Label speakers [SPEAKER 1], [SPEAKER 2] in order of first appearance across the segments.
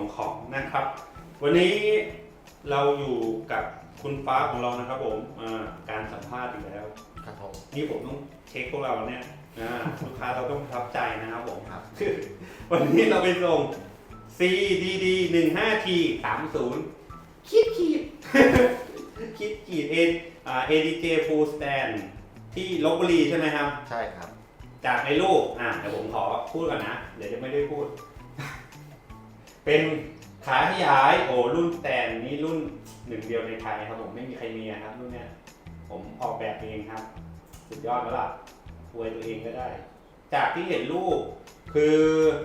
[SPEAKER 1] ของนะครับวันนี้เราอยู่กับคุณฟ้าของเรานะครับผมการสัมภาษณ์อีกแล้ว
[SPEAKER 2] ครับผม
[SPEAKER 1] นี่ผมต้องเช็คพวกเราเนี่ยลูกค้าเราต้องประทับใจนะครับผมครับวันนี้เราไปส่ง CDD 15T 30คิดADJ Full Stand ที่ลพบุรีใช่ไหมครับ
[SPEAKER 2] ใช่ครับ
[SPEAKER 1] จากในรูปเดี๋ยวผมขอพูดก่อนนะเดี๋ยวจะไม่ได้พูด เป็นขาขยายรุ่นแตนนี่รุ่นหนึ่งเดียวในไทยครับผมไม่มีใครมีครับรุ่นเนี้ยผมออกแบบเองครับสุดยอดแล้วล่ะอวยตัวเองก็ได้จากที่เห็นรูปคือ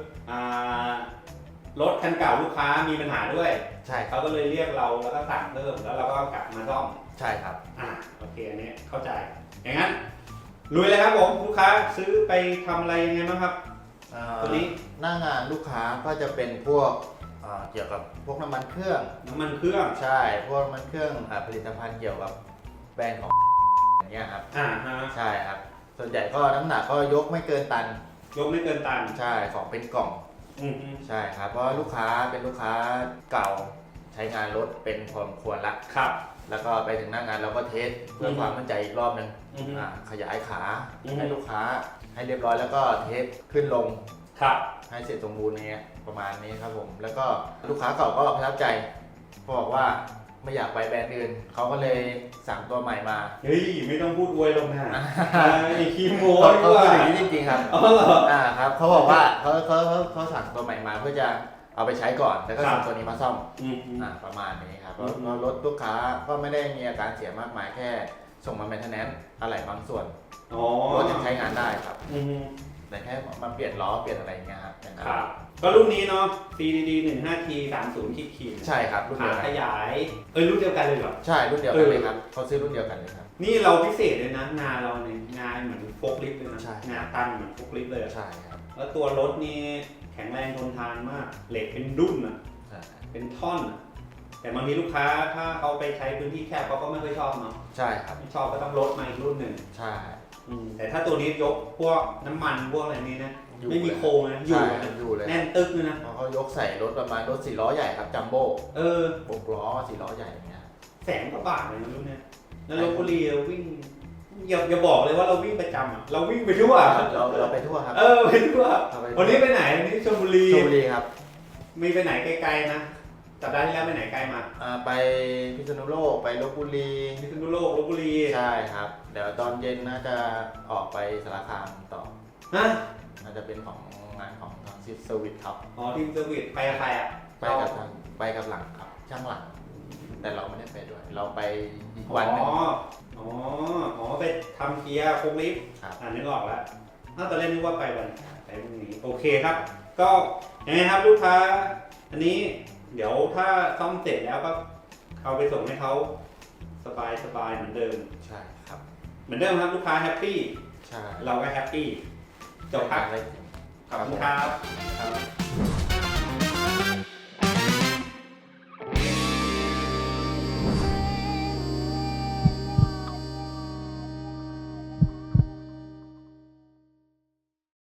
[SPEAKER 1] รถคันเก่าลูกค้ามีปัญหาด้วย
[SPEAKER 2] ใช่
[SPEAKER 1] เขาก็เลยเรียกเราแล้วก็สั่งเพิ่มแล้วเราก็กลับมาซ่อม
[SPEAKER 2] ใช่ครับ
[SPEAKER 1] โอเคอันนี้เข้าใจอย่างนั้นลุยเลยครับผมลูกค้าซื้อไปทำอะไรยังไงบ้างครับตัวนี้
[SPEAKER 2] หน้างานลูกค้าก็จะเป็นพวกเกี่ยวกับพวกน้ำมันเครื่องใช่พวกน้ำมันเครื่องผลิตภัณฑ์เกี่ยวกับแบรนด์ของอย่างเงี้ยครับใช่ครับส่วนใหญ่ก็น้ำหนักก็ยกไม่เกินตันใช่ของเป็นกล่องใช่ครับเพราะลูกค้าเป็นลูกค้าเก่าใช้งานรถเป็นพอสมควรละ
[SPEAKER 1] ครับ
[SPEAKER 2] แล้วก็ไปถึงหน้างานเราก็เทสเพื่อความมั่นใจอีกรอบนึงขยายขาให้ลูกค้าให้เรียบร้อยแล้วก็เทสขึ้นลงให้เสร็จสมบูรณ์เนี้ยประมาณนี้ครับผมแล้วก็ลูกค้าเก่าก็ประทับใจบอกว่าไม่อยากไปแบรนด์อื่นเขาก็เลยสั่งตัวใหม่มา
[SPEAKER 1] เฮ้ยไม่ต้องพูดอวยลงนะขี้โม้
[SPEAKER 2] เขาพูดอย่างนี้จริงๆครับ
[SPEAKER 1] อ๋อเหรอ
[SPEAKER 2] ครับเขาบอกว่าเขาสั่งตัวใหม่มาเพื่อจะเอาไปใช้ก่อนแล้วก็ส่งตัวนี้มาซ่อมประมาณนี้ครับเพราะรถลูกค้าก็ไม่ได้มีอาการเสียมากมายแค่ส่งมาแมนเทนแนนซ์อะไรบางส่วนรถยังใช้งานได้ครับแต่แค่มาเปลี่ยนล้อเปลี่ยนอะไรเงี้ยครับ
[SPEAKER 1] ก็รุ่นนี้เนาะ CDD 15T 30ขีด
[SPEAKER 2] ใช่ครับรุ่นเดียวกัน
[SPEAKER 1] ขยายรุ่นเดียวกันเลยเหรอ
[SPEAKER 2] ใช่รุ่นเดียวกันเลยครับเขาซื้อรุ่นเดียวกันเลยครับ
[SPEAKER 1] นี่เราพิเศษเลยนะงานเราเนี่ยงานเหมือนโฟล์คลิฟต์เลยนะงานตั้งเหมือนโฟล์คลิฟต์เลย
[SPEAKER 2] ใช่ครับ
[SPEAKER 1] แล้วตัวรถนี่แข็งแรงทนทานมากเหล็กเป็นดุ้นเป็นท่อนแต่บางทีลูกค้าถ้าเขาไปใช้พื้นที่แคบเขาก็ไม่ค่อยชอบเนาะ
[SPEAKER 2] ใช่ครับ
[SPEAKER 1] ไม่ชอบก็ต้องลดมาอีกรุ่นหนึ่ง
[SPEAKER 2] ใช่
[SPEAKER 1] แต่ถ้าตัวนี้ยกพวกน้ำมันพวกอะไรนี้นะไม่มีโครงนะ
[SPEAKER 2] อยู่เลย
[SPEAKER 1] แน่นตึ๊กเลยนะ
[SPEAKER 2] เขายกใส่รถประมาณรถ4 ล้อใหญ่ครับจัมโบ้6 ล้อ4 ล้อใหญ่อย่างเงี้ย
[SPEAKER 1] 100,000 กว่าบาทเลยนะรุ่นนี้แล้วลพบุรีเราวิ่งอย่าบอกเลยว่าเราวิ่งประจำเราวิ่งไปทั่ว
[SPEAKER 2] เราไปทั่วครับ
[SPEAKER 1] ไปทั่ววันนี้ไปไหนวันนี้ชลบุรี
[SPEAKER 2] ครับ
[SPEAKER 1] มีไปไหนไกลๆนะสัปดาห์ที่แล้วไปไหนไกลมา
[SPEAKER 2] ไปพิษณุโลกไปลพบุรีใช่ครับเดี๋ยวตอนเย็นน่าจะออกไปสารคามต่อน่าจะเป็นของงานของทางซิสเซอร์วิสครับ
[SPEAKER 1] ทีมเซอร์วิสไปกับใคร
[SPEAKER 2] ไปกับหลังครับช่างหลังแต่เราไม่ได้ไปด้วยเราไปอีกวันนึง
[SPEAKER 1] ไปทำเกียร์โคลิฟนึกออกแล้วตอนแรกนึกว่าไปวันไปพรุ่งนี้โอเคครับก็ยังไงครับลูกค้าอันนี้เดี๋ยวถ้าซ่อมเสร็จแล้วก็เอาไปส่งให้เขาสบายเหมือนเดิม
[SPEAKER 2] ใช่ครับ
[SPEAKER 1] เหมือนเดิมครับลูกค้าแฮปปี้
[SPEAKER 2] ใช่
[SPEAKER 1] เราก็แฮปปี้จบครับขอบคุณครับ